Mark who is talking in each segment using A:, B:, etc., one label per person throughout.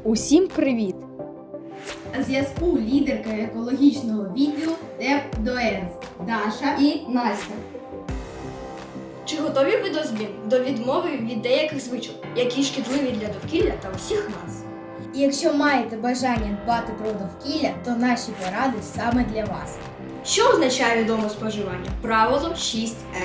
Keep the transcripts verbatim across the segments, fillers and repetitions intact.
A: Усім привіт!
B: На зв'язку лідерка екологічного відділу ДЕП-ДОЕНС Даша
A: І Настя.
C: Чи готові ви до змін, до відмови від деяких звичок, які шкідливі для довкілля та усіх нас?
B: І якщо маєте бажання дбати про довкілля, то наші поради саме для вас.
C: Що означає відоме споживання? Правило шість ер.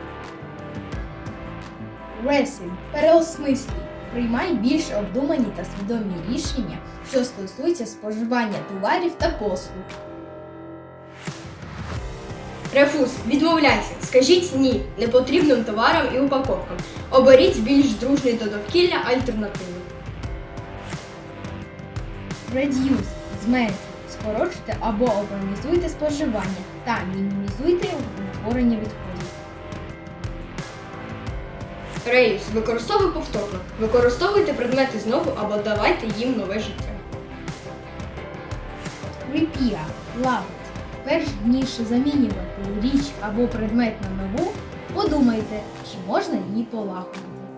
B: Ресінг. Переосмислюй. Приймай більш обдумані та свідомі рішення, що стосуються споживання товарів та послуг.
C: Рефуз. Відмовляйся. Скажіть ні непотрібним товарам і упаковкам. Оберіть більш дружний до довкілля альтернативи.
B: Ред'юз. Зменшуй. Скорочуйте або оптимізуйте споживання та мінімізуйте утворення відходів.
C: Реюз. Використовуй повторно. Використовуйте предмети знову або давайте їм нове життя.
B: Репіа. Лагодь. Перш ніж замінювати річ або предмет на нову, подумайте, чи можна її полагодити.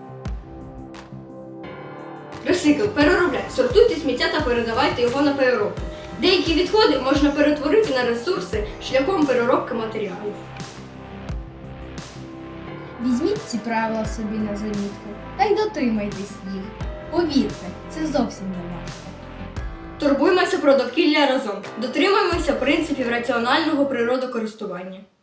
C: Ресикл. Переробляйте. Сортуйте сміття та передавайте його на переробку. Деякі відходи можна перетворити на ресурси шляхом переробки матеріалів.
B: Візьміть ці правила собі на замітку та й дотримайтесь їх. Повірте, це зовсім не важко.
C: Турбуймося про довкілля разом. Дотримуємося принципів раціонального природокористування.